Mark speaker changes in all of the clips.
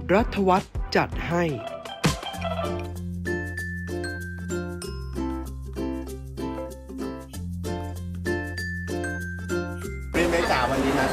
Speaker 1: รัฐวัฒน์จัดให้
Speaker 2: เป็นเมจ่าวันนี้นะ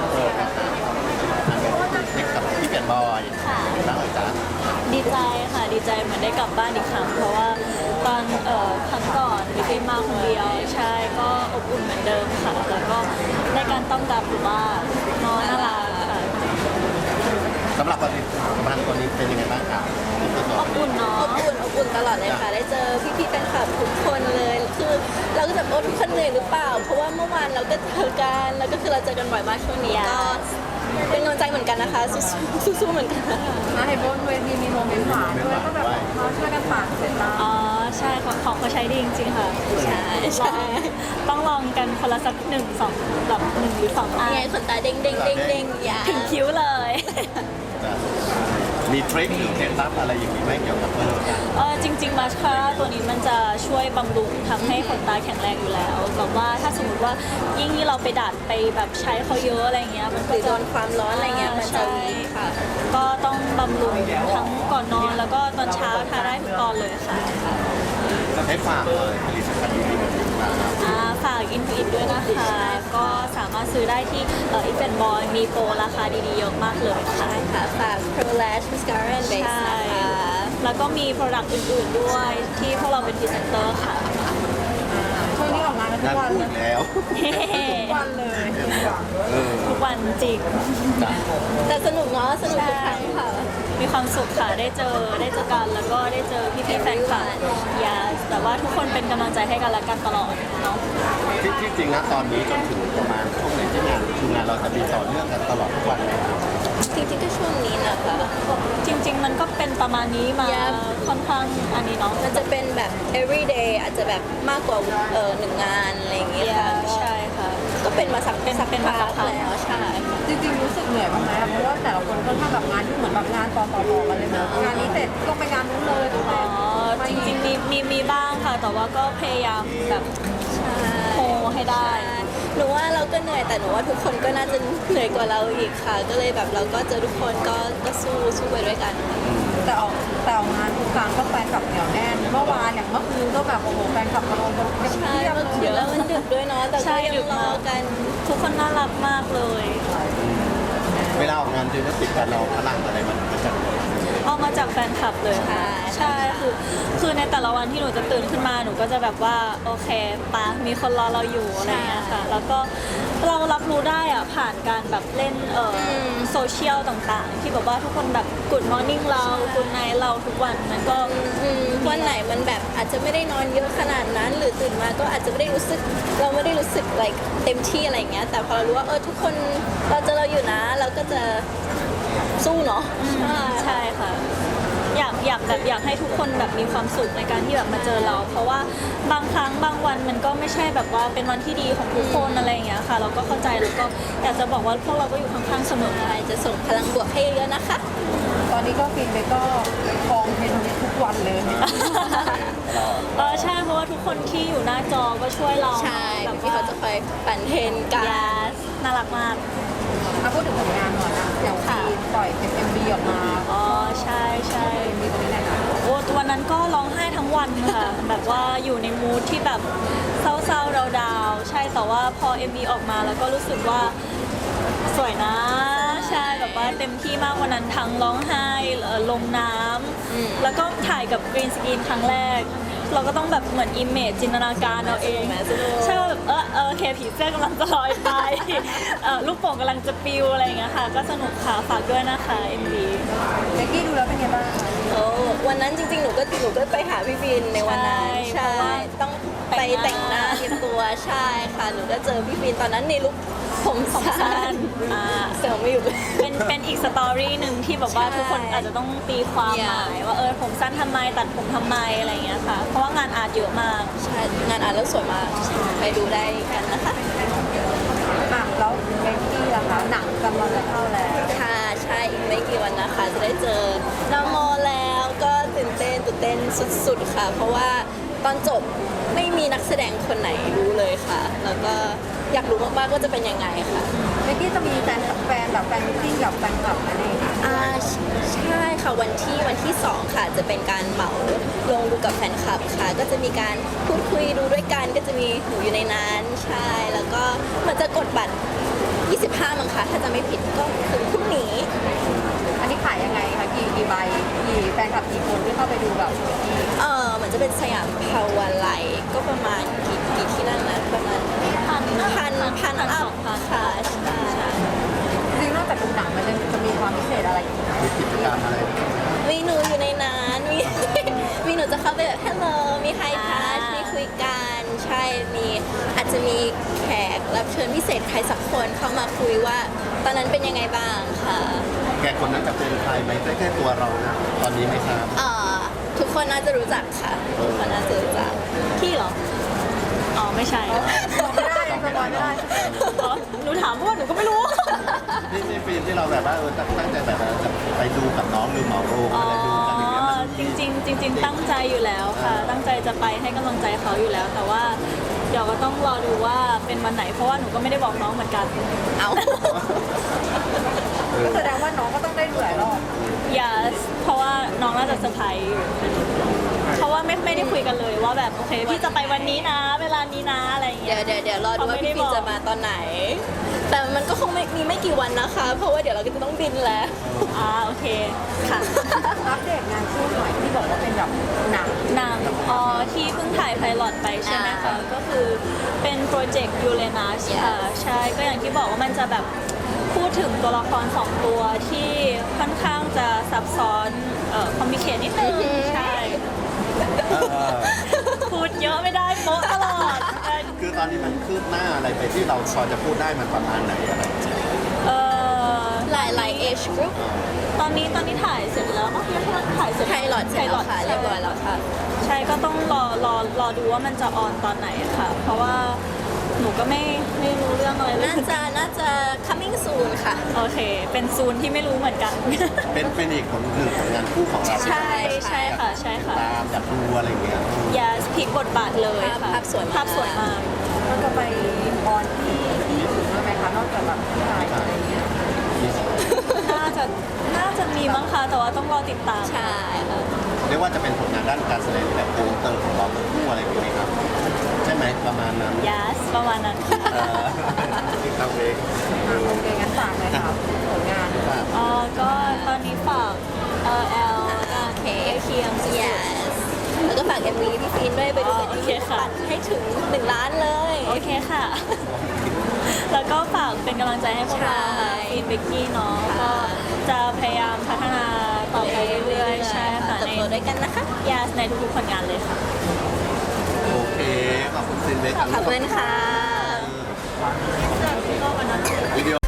Speaker 2: เด็กกับพี่เปลี่ยนบอยบ้างเลยจ้า
Speaker 3: ดีใจค่ะดีใจเหมือนได้กลับบ้านอีกครั้งเพราะว่าตอนครั้งก่อนวิกมาคนเดียวใช่ก็อบอุ่นเหมือนเดิมค่ะแล้วก็ในการต้อนรับหรือว่าน้องน่ารักค่ะ
Speaker 2: สำหรับวันนี้คนนี้เป็นยังไงบ้างครับ
Speaker 3: อบอุ่นเนาะ
Speaker 4: อบอุ่นตลอดเลยค่ะได้เจอพี่ๆแฟนคลับทุกคนเลยคือเราก็จะโอ้ทุกคนเหนื่อยหรือเปล่าเพราะว่าเมื่อวานเราก็เจอกันแล้วก็คือเราเจอกันบ่อยมากช่วงนี้ก็เป็นกำลังใจเหมือนกันนะคะสู้ๆเหมือนกัน
Speaker 5: เห็นบนเวทีมีโมเมนต์หวานด้วยก็แบบเขาช่วยกันฝากเสร็จแล้ว
Speaker 3: อ๋อใช่ของเขาใช้ดีจริงๆค่ะ
Speaker 4: ใช่
Speaker 3: ต้องลองกันคนละสักหนึ่งสองแบบหนึ่งหรือสองอัน
Speaker 4: ไงขนตาเด้งเด้งเด้งเด้งอย่า
Speaker 3: ถึงคิ้วเลย
Speaker 2: มีทริคหรือเคล็ดลับอะไรอย่างนี้ไหมเกี่ยวกับเรื่องการ
Speaker 3: จริงๆมาสคาร่าตัวนี้มันจะช่วยบำรุงทำให้ขนตาแข็งแรงอยู่แล้วแบบว่าถ้าสมมติว่ายิ่งที่เราไปดัดไปแบบใช้เขาเยอะอะไรเงี้ยมัน
Speaker 4: ห
Speaker 3: ก็
Speaker 4: รือโด
Speaker 3: จะ
Speaker 4: นความร้อนอะไรเงี้ยมันจะวีคค่ะ
Speaker 3: ก็ต้องบำรุงทั้งก่อนนอนแล้วก็ตอนเช้าทาได้ทุกตอนเลยค่ะ
Speaker 2: ให้ฝากเลยผลิตภัณฑ์ดีๆแบบนี้มาครับ
Speaker 3: ฝากอินฟินด้วยนะคะ ก็สามารถซื้อได้ที่อินฟินบอยมีโปรราคาดีๆเยอะมากเลยค่ะ
Speaker 4: ใช่ค่ะฝาก Pro Lash Mascara and Base
Speaker 3: ใช่
Speaker 4: นะคะ
Speaker 3: แล้วก็มีโปรดักต์อื่นๆด้วยที่พวกเราเป็นพรีเซนเตอร์ค่ะ
Speaker 5: ช่วงนี้ออกงานกันทุ
Speaker 2: งาน
Speaker 5: กวัน
Speaker 2: พู
Speaker 5: เล
Speaker 2: ด
Speaker 5: ย
Speaker 2: แล้ว
Speaker 5: ทุกวันเลย
Speaker 3: ทุกวันจริง
Speaker 2: จ้ะ
Speaker 4: แต่สนุกเนาะสนุกทุกครั้งค่ะ
Speaker 3: มีความสุขค่ะได้เจอกันแล้วก็ได้เจอพี่ๆแฟนคลับอย่าแต่ว่าทุกคนเป็นกำลังใจให้กันและกันตลอดเนาะ
Speaker 2: ที่จริงนะตอนนี้จนถึงประมาณช่วงไหนที่งานคืองานเราจะมีต่อเนื่องกันตลอดทุกวันเลยครับ
Speaker 4: จริงๆก็ช่วงนี้นะคะ
Speaker 3: จริงๆมันก็เป็นประมาณนี้มา
Speaker 4: Yeah
Speaker 3: ค่อนข้างอันนี้เนาะ
Speaker 4: มันจะเป็นแบบ everyday อาจจะแบบมากกว่าหนึ่งงานอะไรอย่างเงี้ยค่ะก็
Speaker 3: ใช่ค่ะ
Speaker 4: ก็เป็นมาสัก
Speaker 3: เป็นมาสักพัก
Speaker 4: แล้วใช่ค่ะ
Speaker 5: จริงๆรู้สึกเหนื่อยบ้างไหมเพราะว่าแต่ละคนก็ทำแบบงานที่เหมือนแบบงานต่อๆกันเลยนะงานนี้เสร็จก็ไปงานนู้นเลยต้องไป
Speaker 3: อ๋อจริงๆมีบ้างค่ะ แต่ว่าก็พยายามแบบโฮให้ได้
Speaker 4: หนูว่าเราก็เหนื่อยแต่หนูว่าทุกคนก็น่าจะเหนื่อยกว่าเราอีกค่ะ ก็เลยแบบเราก็เจอทุกคนก็สู้ไปด้วยกันค่ะ
Speaker 5: แต่ออกงานทุกครั้งก็แฟนคลับเหนียวแน่นเมื่อวานอย่างเมื่อคืนก็แบบโอ้โหแฟนคลับมาลงกันเต็ม
Speaker 4: ใช่
Speaker 5: ที่
Speaker 4: เมื่อคื
Speaker 5: เย
Speaker 4: นแล้ว
Speaker 5: อะ
Speaker 4: มันดึกด้วยเนาะแต่
Speaker 3: ใช่
Speaker 4: ก็ยั
Speaker 3: ดึ
Speaker 4: ง
Speaker 3: ก
Speaker 4: รอ
Speaker 3: มาก
Speaker 4: กัน
Speaker 3: ทุกคนน่ารักมากเลย
Speaker 2: เวลาออกงานจริงก็ติดกันเราพลังอะไรมันจะ
Speaker 3: เอามาจากแฟนคลับเลยค่ะใช่คือในแต่ละวันที่หนูจะตื่นขึ้นมาหนูก็จะแบบว่าโอเคปะมีคนรอเราอยู่อะไรเงี้ยค่ะ แล้วก็เรารับรู้ได้อะผ่านการแบบเล่นโซเชียลต่างๆ ที่แบบว่าทุกคนแบบกูดมอร์นิ่งเรากูดไนท์เราทุกวันมันก็
Speaker 4: วันไหนมันแบบอาจจะไม่ได้นอนเยอะขนาดนั้น หรือตื่นมาก็อาจจะไม่ได้รู้สึกเราไม่ได้รู้สึก like เต็มที่อะไรอย่างเงี้ยแต่พอเรารู้ว่าทุกคนเราเจอเราอยู่นะเราก็จะสู้เนาะใช่
Speaker 3: ใช่ค่ะ อยากให้ทุกคนแบบมีความสุขในการที่แบบมาเจอเรา เพราะว่าบางครั้งบางวันมันก็ไม่ใช่แบบว่าเป็นวันที่ดีของทุกคนอะไรอย่างเงี้ยค่ะ เราก็เข้าใจแล้วก็อยากจะบอกว่าพวกเราก็อยู่ข้างๆเสมอ
Speaker 4: ใช่จะส่งพลังบวกให้เยอะๆนะคะ
Speaker 5: ตอนนี้ก็ฟินไปก็ครองเทรนด์ทุกวันเลย
Speaker 3: ใช่เพราะว่าทุกคนที่อยู่หน้าจอก็ช่วยเรา
Speaker 4: ใช่
Speaker 3: แบบ
Speaker 4: ที่
Speaker 3: ว่า
Speaker 4: เขาจะคอยปั่นเทรนกัน
Speaker 3: yes น่ารักมาก
Speaker 5: มาพูดถึงผลงานหน่อยนะอย่างฟีนปล่อยเป็น MV ออกมา
Speaker 3: อ๋อใช่ใช่
Speaker 5: มีตรงนี้ไหนคะ
Speaker 3: โอ้วันนั้นก็ร้องไห้ทั้งวันค่ะ แบบว่าอยู่ในมูทที่แบบเศร้าๆดาวๆใช่แต่ว่าพอ MV ออกมาแล้วก็รู้สึกว่าสวยนะใช่แบบว่าเต็มที่มากวันนั้นทั้งร้องไห้ลงน้ำแล้วก็ถ่ายกับกรีนสกรีนครั้งแรก เราก็ต้องแบบเหมือนอิมเมจจินตนาการเอาเองใช่ว่าแบบโอเคผีเสื้อกำลังจะลอยไป ลูกโป่งกำลังจะปิวอะไรอย่างเงี้ยค่ะก็สนุกค่ะฝากด้วยนะคะ MV
Speaker 5: เด็กกี้ดูแล้วเป็นไงบ้าง
Speaker 4: โอ้วันนั้นจริงๆหนูก็ไปหาพี่บินในวันนั้น
Speaker 3: ใช่
Speaker 4: ใช่ต้องไปแต่งหน้าเตรียมตัวใช่ค่ะหนูก็เจอพี่บินตอนนั้นในลุคผมสั้น
Speaker 3: อ่า
Speaker 4: เสือไม่อยู่เลย
Speaker 3: เป็นอีกสตอรี่หนึ่งที่แบบว่า
Speaker 4: ใช่
Speaker 3: ทุกคนอาจจะต้องตีความหมายว่าผมสั้นทำไมตัดผมทำไมอะไรอย่างเงี้ยค่ะ เพราะว่างานอาร์ตเยอะมาก
Speaker 4: ใช่งานอ่านแล้วสวยมากไปดูได้กันนะคะ
Speaker 5: แล้วเด็กกี้ล่ะคะหนังกำลังจะเข้าแล้ว
Speaker 4: ค่ะใช่อีกไม่กี่วันนะคะ จะได้เจอน้องโมแล้วก็ตื่นเต้นสุดๆค่ะ เพราะว่าตอนจบไม่มีนักแสดงคนไหนรู้เลยค่ะ แล้วก็อยากรู้มากๆว่าจะเป็นยังไงค่ะ
Speaker 5: เบกกี้จะมีแฟนแบบแฟนมิทติ้งกับแฟนคลับอะไรอย่างเงี้ย
Speaker 4: ใช่ค่ะวันที่ 2 ค่ะจะเป็นการเหมาลงดูกับแฟนคลับค่ะ ก็จะมีการพูดคุยดูด้วยกันก็จะมีหนูอยู่ในนั้นใช่แล้วก็เหมันจะกดบัตร 25 มั้งคะถ้าจะไม่ผิดก็ถึงพรุ่งนี้
Speaker 5: อันนี้ขายยังไงคะกี่ใบกี่แฟนคลับกี่คนที่เข้าไปดูแบบเบกกี้
Speaker 4: เหมือนจะเป็นสยามพาวาไลก็ประมาณกี่ที่นั่นนะประมาณพันอัพค่ะใช่
Speaker 5: จริงๆนอกจากดูหนังมันจะมีความพิเศษอะไรอีกไหม
Speaker 2: มีกิจกรรมอะไร
Speaker 4: มีหนูอยู่ในนั้นมีหนูจะเข้าไปแบบ hello มี hi touch มีคุยกันใช่มีอาจจะมีแขกรับเชิญพิเศษใครสักคนเข้ามาคุยว่า ตอนนั้นเป็นยังไงบ้างค่ะ
Speaker 2: แกคนนั้นจะเป็นใครไหมใกล้ๆตัวเรานะตอนนี้ไหมครับ
Speaker 4: ทุกคนน่าจะรู้จักค่ะทุกคนน่าจะรู้จัก
Speaker 3: พี่เหรอ อ๋อ ไม่ใช่
Speaker 5: บอกไม่ได้สปอยไม่ได้
Speaker 3: อ๋อหนูถามเพราะว่าหนูก็ไม่รู้
Speaker 2: นี่ฟิล์มที่เราแบบว่าตั้งใจแบบจะไปดูกับน้องหรือเหมาโรง
Speaker 3: อ๋อ
Speaker 2: อะไรดูกันอย่างเงี้ยมัน
Speaker 3: จริง ๆ ตั้งใจอยู่แล้วค่ะ ตั้งใจจะไปให้กำลังใจเขาอยู่แล้ว แต่ว่าเดี๋ยวก็ต้องรอดูว่าเป็นวันไหน เพราะว่าหนูก็ไม่ได้บอกน้องเหมือนกัน
Speaker 4: เอา
Speaker 5: ก็แสดงว่าน้องก็ต้องได้ดูหลายรอบ
Speaker 3: yes เพราะว่าน้องน่าจะเซอร์ไพรส์อยู่เพราะว่าไม่ได้คุยกันเลยว่าแบบโอเคพี่จะไปวันนี้นะ เวลานี้นะอะไรอย่างเงี้ย
Speaker 4: เดี๋ยวรอดูว่าพี่ฟินจะมาตอนไหน แต่มันก็คงไม่กี่วันนะคะ เพราะว่าเดี๋ยวเราก็จะต้องบินแล้ว
Speaker 3: โอเคค่ะ
Speaker 5: อัปเดตงานคู่หน่อยที่บอกว่าเป็นแบบหนัง
Speaker 3: หนังที่เพิ่งถ่ายไพลอตไปใช่ไหมคะ ก็คือเป็นโปรเจกต์ยูเรนัสค่ะ ใช่ ก็อย่างที่บอกว่ามันจะแบบพูดถึงตัวละคร2ตัวที่ค่อนข้างจะซับซ้อนคอมมิเคทนิดนึงใช่ พูดเยอะไม่ได้โป๊ะตลอด
Speaker 2: คือตอนนี้มันคืบหน้าอะไรไปที่เราพอจะพูดได้มันประมาณไหนอะไร
Speaker 4: หลาย age group
Speaker 3: ตอนนี้ถ่ายเสร็จแล้วเนาะถ่ายเสร็จ
Speaker 4: ไพลอตเสร็จแล้วค่ะเรียบร้อยแล้วค่ะ
Speaker 3: ใช่ก็ต้องรอดูว่ามันจะออนตอนไหนค่ะ เพราะว่าหนูก็ไม่รู้เรื่องอะไรเลย
Speaker 4: น่าจะ coming soon ค่ะ
Speaker 3: โอเค เป็นซูนที่ไม่รู้เหมือนกัน
Speaker 2: เป็นอีกผลหนึ่งผลงานคู่ของเรา
Speaker 3: ใช่ค่ะใช่ค่ะ
Speaker 2: ตามอยากดูอะไรเงี้ย
Speaker 3: อย่าพลิกบทบาทเลยค่ะ
Speaker 4: ภาพสวยมาก
Speaker 3: ภาพสวยมาก
Speaker 5: ก็จะไปออนที่ญี่ปุ่นด้วยไหมคะนอกจากแบบที่ไทยอะไรอย่างเงี้ย
Speaker 3: น่าจะมีมั้งคะแต่ว่าต้องรอติดตาม
Speaker 4: ใช่ค่ะ
Speaker 2: เรียกว่าจะเป็นผลงานด้านการแสดงแบบโปรเตอร์ของเราทั้งคู่อะไรอย่างเงี้ยครับใช่ไหมประมาณนั้น
Speaker 3: yes ประมาณนั้นค่ะ
Speaker 2: ครับเอง
Speaker 5: โอเคงั้นฝากเลยครับผลงาน
Speaker 3: ก็ตอนนี้ฝาก L
Speaker 4: โอเค
Speaker 3: เคียงสุด
Speaker 4: yes แล้วก็ฝาก MV พี่ฟินด้วยไปดูกัน
Speaker 3: โอเคค่ะ
Speaker 4: ปั่นให้ถึง1 ล้านเลย
Speaker 3: โอเคค่ะ แล้วก็ฝากเป็นกำลังใจให้พวกเราค่ะ
Speaker 4: ใช่
Speaker 3: ฟีนเบกกี้เนาะก็จะพยายามพัฒนาต่อไปเรื่อยๆใช่ค่ะ
Speaker 4: เติบโตด้วยกันนะคะ
Speaker 3: yes ในทุกๆผลงานเลยค่ะ
Speaker 2: โอเคขอบคุณซินเล็ก
Speaker 4: ขอบคุณค่ะ
Speaker 2: วิดีโอ